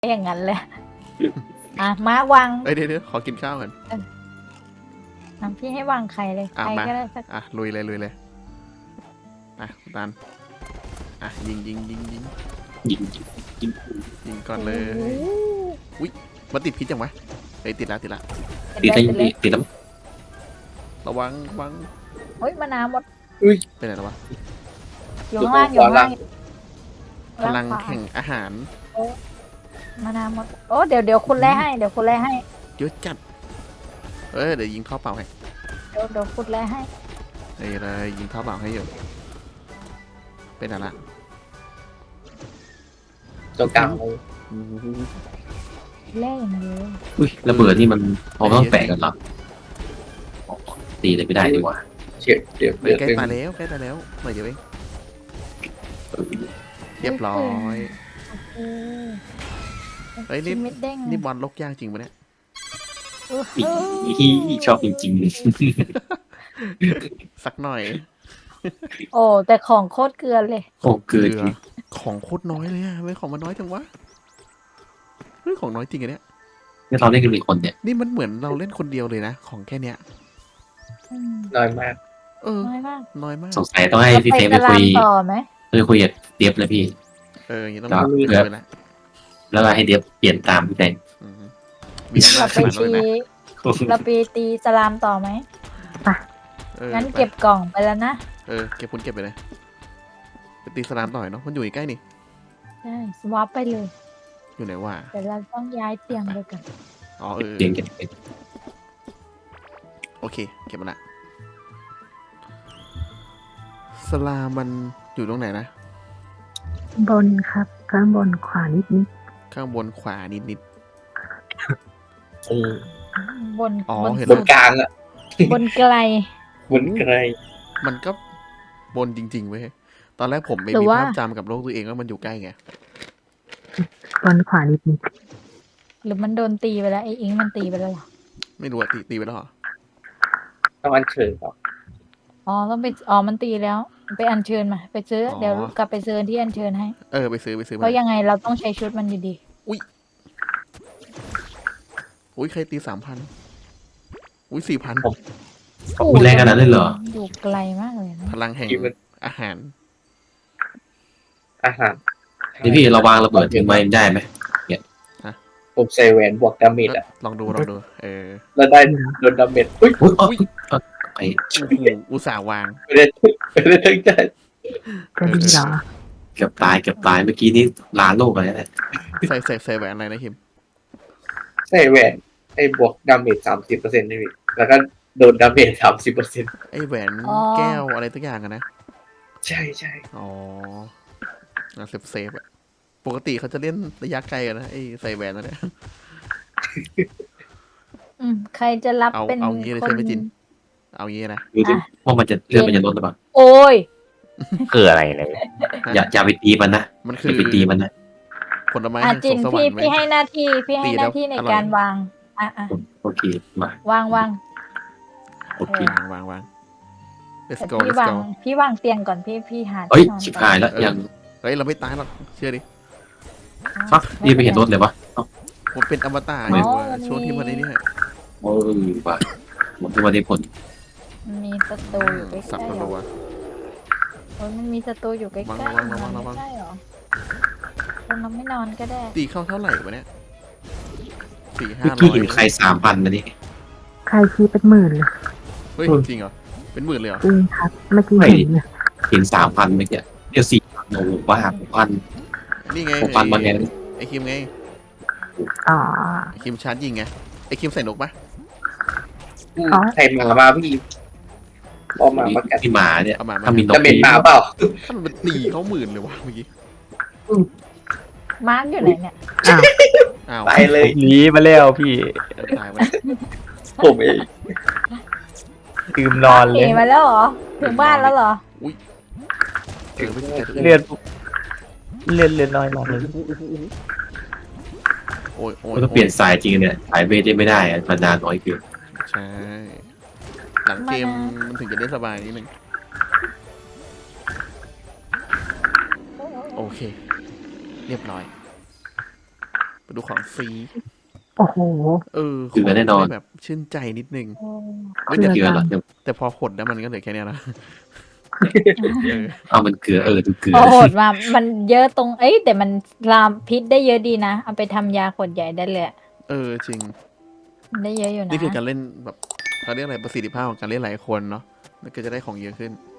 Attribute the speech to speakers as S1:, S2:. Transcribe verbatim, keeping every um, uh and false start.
S1: อย่างนั้นเลยอ่ะมาวาง
S2: เอ้ยเดี๋ยวเดี๋ยวขอกินข้าวก่อน
S1: น้ำพี่ให้วางไข่เลยใค
S2: อ่ะ
S1: ร
S2: มา
S1: ก็ได้สัก
S2: อ่ะลุยเลยลุยเลยอ่ะคุณตันอ่ะยิงยิงยิงยิง
S3: ยิงยิง
S2: ยิงก่อนเลยอุ้ยมันติดพิษยังวะเฮ้ยติดแล้วติดแล้ว
S3: ติด
S1: ได้
S3: ได้
S1: เลย
S3: ติดแล้ว
S2: ระวังระวัง
S1: เฮ้ยมะนาวหมด
S2: ไปไหนแล้ววะ
S1: อยู่ข้างล่างอยู่ข้างล่าง
S2: พลัง
S1: ขวา
S2: แห่งอาหาร
S1: มะนาวหมดโอ้เดี๋ยวเดี๋ยวคุณแล่ให้เดี๋ยวคุณแล่ให้
S2: เยอะจัดเอ้ยเดี๋ยวยิงท่อเปล่าให้
S1: เดี๋ยวเดี๋ยวคุณแล่ให้
S2: เฮ้ยเลยยิงท่อเปล่าให้อยู่เป็นอะไรละ
S4: ตัวกลาง
S1: แล่อย่างเดียว
S3: อุ้ยระเบิดนี่มันพอต้องแปะกันหรออ๋อตีเลยไม่ได้ดีกว่า
S4: เฉียดเดี๋ยว
S2: เฮ้
S4: เดี๋
S2: ย
S4: ยว
S2: ใกล้
S4: เดี๋ยว
S2: ตายแล้วใกล้ตายแล้วหน่อยเดียวเองเรียบร้อย
S1: โอ
S2: เฮ้ย
S1: เค
S2: นี่
S1: ชิ้นเม็ดเด้ง
S2: นี่บอลลกย่างจริงปะเนี่ย
S1: อื้อ
S3: อี
S1: หือ
S3: ที่ชอบจริง
S2: สักหน่อย
S1: โอ้แต่ของโคตรเกลือเลย
S3: ๆโอ้เกิน
S2: เกลือของโคตรน้อยเลยอะเฮ้ยของมันน้อยจังวะเฮ้ยของน้อยจริงอะเนี่ย
S3: นี่เราเล่นกันกี่คนเนี่ย
S2: นี่มันเหมือนเราเล่นคนเดียวเลยนะของแค่เนี้ย
S1: อืม
S4: น้อยมาก
S2: เออ
S1: น้อยมาก
S2: น้อยมาก
S3: สงสัยต้องให้
S1: เรา
S3: พี่
S1: ไป
S3: เฟรม
S1: ต
S3: ไป
S1: ลา
S3: คุ
S1: ด
S3: ย
S1: ต่อไหม
S3: ไปคุยกับเดียบเลยพี่
S2: เอออย่างนี้ต้อง
S3: ครับ
S2: คุยกันแล้ว
S3: แล้วก็ให้เดียบเปลี่ยนตามพี่เฟรม
S2: อืมมีอำนา
S1: เรา
S2: จ
S1: ไป
S2: ขนาดนั้น
S1: ตี
S2: เลยนะ
S1: เราไปตีสลามต่อไหม
S2: เออ
S1: งั้น
S2: ไป
S1: เก็บกล่องไปแล้วนะ
S2: เออเก็บคุณเก็บไปเลยไปตีสลามต่อยเนาะมันอยู่ใกล้นี่
S1: ใช่สวอปไปเลย
S2: อยู่ไหนวะ
S1: แต่เราต้องย้ายเตียงไปกัน
S2: อ๋อเออ
S3: เปลี่ยนกันเป็น
S2: โอเคเก็บมาละสลามมันอยู่ตรงไหนนะ
S5: บนครับข้างบนขวานิดนิด
S2: ข้างบนขวานิดนิด
S4: อืม
S1: บน
S2: อ๋อบ
S1: น
S2: เห็น
S4: บ
S2: แล้
S4: น
S2: ว
S4: กลางอ่ะ
S1: บนไกล
S4: บนไกล
S2: มันก็บนจริงๆเว้ยตอนแรกผมไม่
S1: หรือ
S2: มี
S1: ว่า
S2: ภาพจำกับโลกตัวเองว่ามันอยู่ใกล้ไง
S5: บนขวานิดนิด
S1: หรือมันโดนตีไปแล้วไอ้อิงมันตีไปแล้วเหรอ
S2: ไม่รู้อะตีตีไปแล้วเหรอ
S4: ต้องอันเชิญต่อ
S1: อ๋อต้องไปอ๋อมันตีแล้ว ไปอัญเชิญมา ไปซื้อเดี๋ยวกลับไปซื้อที่อัญเชิญให้
S2: เออไปซื้อไปซื้อ
S1: เพ
S2: มา
S1: ราะยังไงเราต้องใช้ชุดมันอยู่ดี
S2: อุ้ยใครตีสามพันอุ้ยสี่พัน
S3: อุ้ยแรงขนาดนั้นเลยเหรอ
S1: อยู่ไกลมากเลยนะ
S2: พลังแห่ง
S4: ที่มัน
S2: อาหาร
S4: อาหาร
S3: เดี๋ยวพี่เราวางระเบิดทิ้งไว้ได้ไหม
S4: ผมใส่แหวนบวกดาเมจอ่ะ
S2: ลองดูลองดูเออ
S4: แล้วได้โดนดาเมจอุ้ย
S3: อุ้ยเอ้ยเอ้ยไอ้
S2: โอ้โหอุตส่าห์วาง
S4: ไม่ได้ไม่ได้ตั้งใจ
S5: จะดีเหรอ
S3: เกือบตายเกือบตายเมื่อกี้นี้ลาโลกอะไรเนี่ย
S2: ใส่ใส่ใส่แหวนอะไรนะคิม
S4: ใส่แหวนไอ้บวกดาเมจสามสิบเปอร์เซ็นต์นี่พี่แล้วก็โดนดาเมจสามสิบเปอร์เซ็นต์
S2: ไอแหวนแก้วอะไรตักอย่างอะนะ
S4: ใช่ใช่
S2: อ๋ออ่ะเซฟเซฟอะปกติเขาจะเล่นระยะไกลกันนะไอใส่แหวนนั่นแหละ
S1: อืมใครจะรับ
S2: เอา
S1: เป็น
S2: เอางี้เลย
S1: ค
S2: ใช่
S1: น
S2: ไหมจิน เอางี้นะ
S3: ดูดิว่ามันจะเลือดมันจะลดหรือเปล่า
S1: โอ้ย
S6: คืออะไรเลย
S3: อย่าอย่าไปตีมันนะ
S2: มัน
S3: อ
S2: คือย่
S3: าไปตีมันนะ
S2: ผลไม้
S1: อ่ะ
S2: แห่ง
S1: จิ
S2: ส
S1: น
S2: วงสวร
S1: พี่
S2: รค์ไหม
S1: พี่ให้หน้าที่พี่ให้
S2: ตี
S1: ห
S2: แล้ว
S1: น้าที่ใน
S2: อร่อย
S1: การวางอ่ะอ่ะ
S3: โอเคมาว
S1: างวาง
S3: โอเค
S2: วางวางวาง let's
S1: แต่
S2: go
S1: พี่
S2: let's
S1: วาง
S2: go
S1: พี่วางเตียงก่อนพี่พี่หา
S3: เอ้ย
S1: ที่นอน
S3: ชิบหายแล้ว
S2: เออ
S3: ยัง
S2: เฮ้ยเราไม่ตายหรอกเชื่อดิ
S3: ฟักนี่ไม่เห็นรถเลยวะเอ้า
S2: ผมเป็นอมตะอยู่อะช่วงที่มันไอ้นี่
S3: โอ้ยว่ะผมจะมาได้ผล
S1: มันมีศัตรูอยู่ใกล้
S2: สับ
S1: ๆ
S2: กระ
S1: เหร
S2: รัว
S1: อโอ้ยมันมีศัตรูอยู่ใกล้ๆ
S2: ระวังระวังระวัง
S1: ไม่ใช่เหรอคนเราไม่นอนก็ได้
S2: ตีเข้าเท่าไหร่วะเนี่ยสี่ห้า
S3: เมื่อ
S2: ร้
S3: กี้
S2: อย
S3: เห็นใครสามพันนะนี่
S5: ใครชี้เป็นหมื่นเลย
S2: เฮ้ยจริงเหรอเป็นหมื่นเลยเหรอ
S5: จริงครับเมื่อกี้เห็นเลย
S3: เห็นสามพันเมื่อกี้เดี๋ยวสี่พันโอ้โหว่าหกพัน
S2: นี่ไง
S3: หกพันมาไง
S2: ไอคิมไง
S5: อ๋อ
S2: ไอคิมชาร์จยิงไงไอคิมใส่นกปะ
S4: อืมใครมามาพี่บอมาประกัน
S3: ที่หมาเนี่ย
S2: เอามามา
S3: ถ้ามีน
S4: ดาก เมจมาเปล่า
S2: ถ้ามันตีเขาหมื่นเลยวะเมื่อกี้
S1: มาร์กอยู่ไหนเนี่ย
S5: อ้าว
S2: อ้าว
S4: ไปเลย
S6: หนีมาแล้วพี่
S2: ตายไป
S4: ผมเอง
S6: ลืมนอน
S1: ห
S6: เล
S1: นี
S6: ย
S1: มาแล้วเหรอถึงบ้านแล้วเหรอ
S2: เออไม่ใช่ตัว
S6: เลือดเลือดเลือดน้อยมากเลย
S2: โอ้ยโอ้ย
S3: ก็เปลี่ยนสายจริงเนี่ยสายเวทได้ไม่ได้อะมันนานน้อยเกิน
S2: ใช่หลังเกมมันถึงจะได้สบายนิดนึงโอเค เรียบร้อย ไปดูของฟรี
S5: โอ้โห
S2: เออ
S3: เกลือแน่นอน
S2: ขงแบบชื่นใจนิดนึง
S1: โอ้
S3: ไม่ได้เกลือหรอกเดี๋ยว
S2: แต่พอหดแล้วมันก็เหลือแค่เนี้ยนะ เออ
S3: เอามันเกลือเออดูเกลือ
S1: โอ้โหดมามันเยอะตรงเอ้ยแต่มันลามพิษได้เยอะดีนะเอาไปทำยาขวดใหญ่ได้เลยอะ
S2: เออจริง
S1: ได้เยอะอยู่นะ
S2: นี่คือการเล่นแบบเขาเรียกอะไรประสิทธิภาพของการเล่นหลายคนเนาะมันก็จะได้ของเยอะขึ้น